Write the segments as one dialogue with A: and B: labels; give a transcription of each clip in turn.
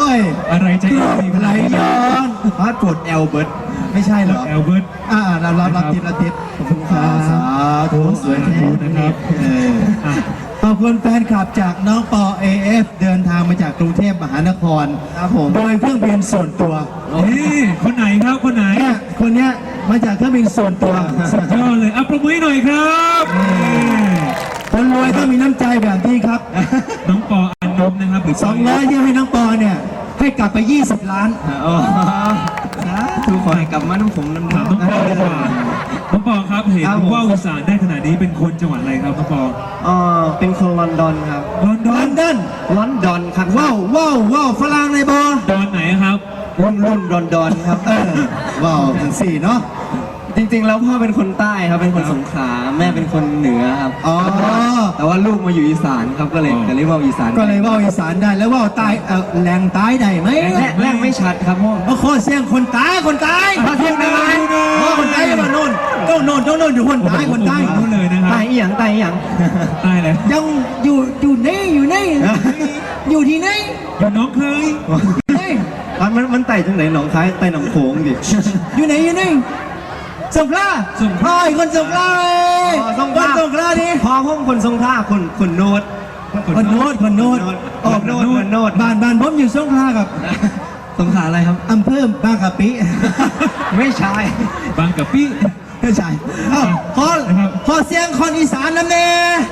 A: ย
B: อะไรจะ
A: ไหลย้อนพาสปอร์ตแอลเบิร์ตไม่ใช่เหรอ
B: แอลเบิร์ต
A: เราติดขอบคุณครับสาธุสวยแท้นะครับขอบคุณแฟนคลับจากน้องปอ AF เดินทางมาจากกรุงเทพมหานครครับผมโดยเครื่องบินส่วนตัว
B: นี่คนไหนครับคนไหน
A: เนี่ยคนเนี้ยมาจากเครื่องบินส่วนตัว
B: สุดยอดเลยปรบมือหน่อยครับ
A: คนรวยต้องมีน้ำใจแบบนี้ครับ
B: น้องปออันนบนะครับหรือ
A: 200ที่ให้น้องปอเนี่ยให้กลับไป20 ล้าน
C: ถูกขอให้กลับมาน้ำผมน้ำ
B: น้องปอดีกว่าน้องปอครับเห็นว่าอีสานได้ขนาดนี้เป็นคนจังหวัดอะไรครับน้องปอ
C: เป็นคนลอนดอนครับ
B: ลอนด
C: อนครับ
A: ว้าวฝรั่งเลยบอ
B: ดอนไหนครับ
C: รุ่นลอนดอนครับ
A: ว้าวถึง4เนาะ
C: จริงๆแล้วพ่อเป็นคนใต้ครับเป็นคนสงขลาแม่เป็นคนเหนือครับแต่ว่าลูกมาอยู่อีสานครับก็เลยเรียกว่าอีสาน
A: ก็เลยว่าอีสานได้แล้วว่าใต้แรงใต้ได้ไหม
C: แรงไม่ชัดครับพ่อ
A: โคเสียงคนใต้พาเทียงได้ไหมคนใต้มาโน่นต้องโน่นอยู่คนใต้
B: นู่นเลยนะครับ
C: ใต้อย่าง
B: ใต้เลย
A: ยังอยู่นี่อยู่ที่ไหน
B: อยู่น้องเคย
C: มันไต่จังไหนหนองคายไต่หนองโขงดิ
A: อยู่ไหนสงขลาคนสงขลาคนสงขลาดิ
C: พอห้องคนสงขลาคนโนด
A: คนโนดบ้านผมอยู่สงขลากับ
C: สงขลาอะไรครับ
A: อำเภอบางกะปิ
C: ไม่ใช่
B: บางกะปิ
A: ไม่ใช่ขอเสียงคนอีสานนะแม่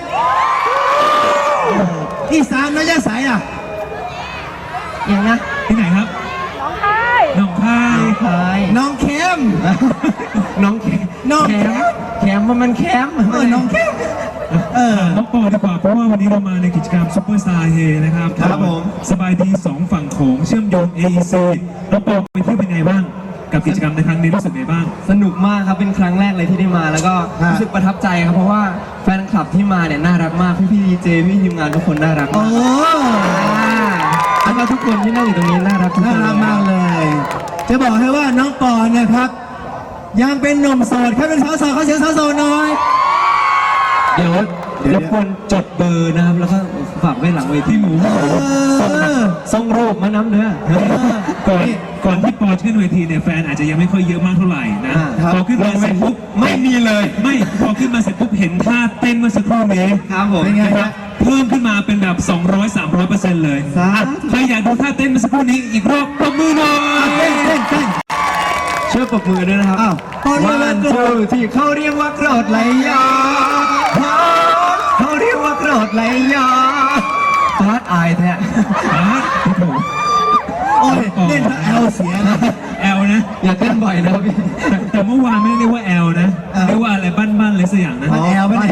A: อีสานไม่ใช่สาย
C: อย่างนะ
B: ที่ไหนครับน้องคาย
A: น้องแคม
C: ว่ามันแคม
A: น้องแคม
B: น้องปอดีกว่าเพราะว่าวันนี้เรามาในกิจกรรมซุปเปอร์สตาร์เฮนะครับ
A: ครับผม
B: สบายดี2ฝั่งโขงเชื่อมโยง AEC น้องปอไปเที่ยวเป็นไงบ้างกับกิจกรรมในครั้งนี้รู้สึกไงบ้าง
C: สนุกมากครับเป็นครั้งแรกเลยที่ได้มาแล้วก็รู้สึกประทับใจครับเพราะว่าแฟนคลับที่มาเนี่ยน่ารักมากพี่ดีเจพี่ทีมงานทุกคนน่ารักมากแล้วก็ทุกคนที่นั่งอยู่ตรงนี้น่ารัก
A: มากเลยจะบอกให้ว่าน้องปอนะครับยังเป็นหนุ่มโสดแค่เป็นสาวโสดเขาเสียงสาวโสดน้อย
B: เดี๋ยวรบกวนจดเบอร์นะครับแล้วก็ฝากไว้หลังเวทีหมู
C: ส่งรูปมาน้ำเนื้อ
B: ก่อนที่ปอขึ้นเวทีเนี่ยแฟนอาจจะยังไม่ค่อยเยอะมากเท่าไหร่นะพอขึ้นมาเสร็จปุ๊บ
C: ไม่มีเลย
B: พอขึ้นมาเสร็จปุ๊บเห็นท่าเต้นเมื่อสักครู่นี้
C: ครับผม
B: เป็นไงครับเพิ่มขึ้นมาเป็นแบบ200-300%เลยใครอยากดูท่าเต้นเมื่อสักครู่นี้อีกรอบปรบมือหน่อย
A: เต้น
C: ช่วยปรบมือด้วยนะครับวันที่เขาเรียกว่าโกรธไหลย้อนเขาเรียกว่าโกรธไหลย้อนฟาดอายแท้
A: โอ้ยเล่นแอลเสียนะ
B: แอลนะ
C: อย่าเต้นบ่อยนะพี่
B: แต่เมื่อวานไม่เรียกว่าแอลนะเรียกว่าอะไรบ้านเลยสักอย่างนะ
A: บ้านเอว
B: นะ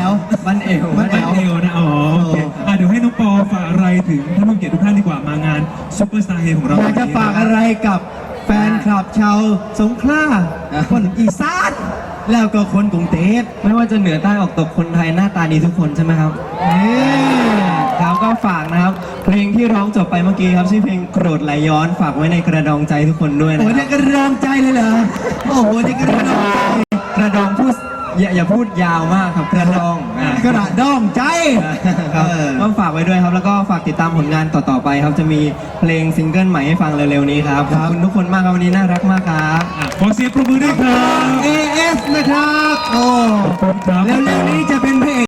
B: โอเคเดี๋ยวให้น้องปอฝากอะไรถึงท่านผู้เกียรติทุกท่านดีกว่ามางานซุปเปอร์สตาร์เฮของเรา
A: อยากจะฝากอะไรกับแฟนคลับชาวสงขลาคนอีสานแล้วก็คนกรุงเทพ
C: ไม่ว่าจะเหนือใต้ออกตกคนไทยหน้าตาดีทุกคนใช่ไหมครับครับก็ฝากนะครับเพลงที่ร้องจบไปเมื่อกี้ครับชื่อเพลงโกรธไหลย้อนฝากไว้ในกระดองใจทุกคนด้วยนะ
A: โอ้ยในกระดองใจเลยเหรอโอ้โหในกระด
C: องพูดอย่าพูดยาวมากครับกระดอง
A: ใจ
C: ครับก็ฝากไว้ด้วยครับแล้วก็ฝากติดตามผลงานต่อไปครับจะมีเพลงซิงเกิลใหม่ให้ฟังเร็วๆนี้ครับขอบคุณทุกคนมากครับวันนี้น่ารักมากครับ
B: ขอเสียงปรบมือด้วยครับ
A: AF นะครับโอ้แล้วเร็วๆนี้จะเป็นเพลง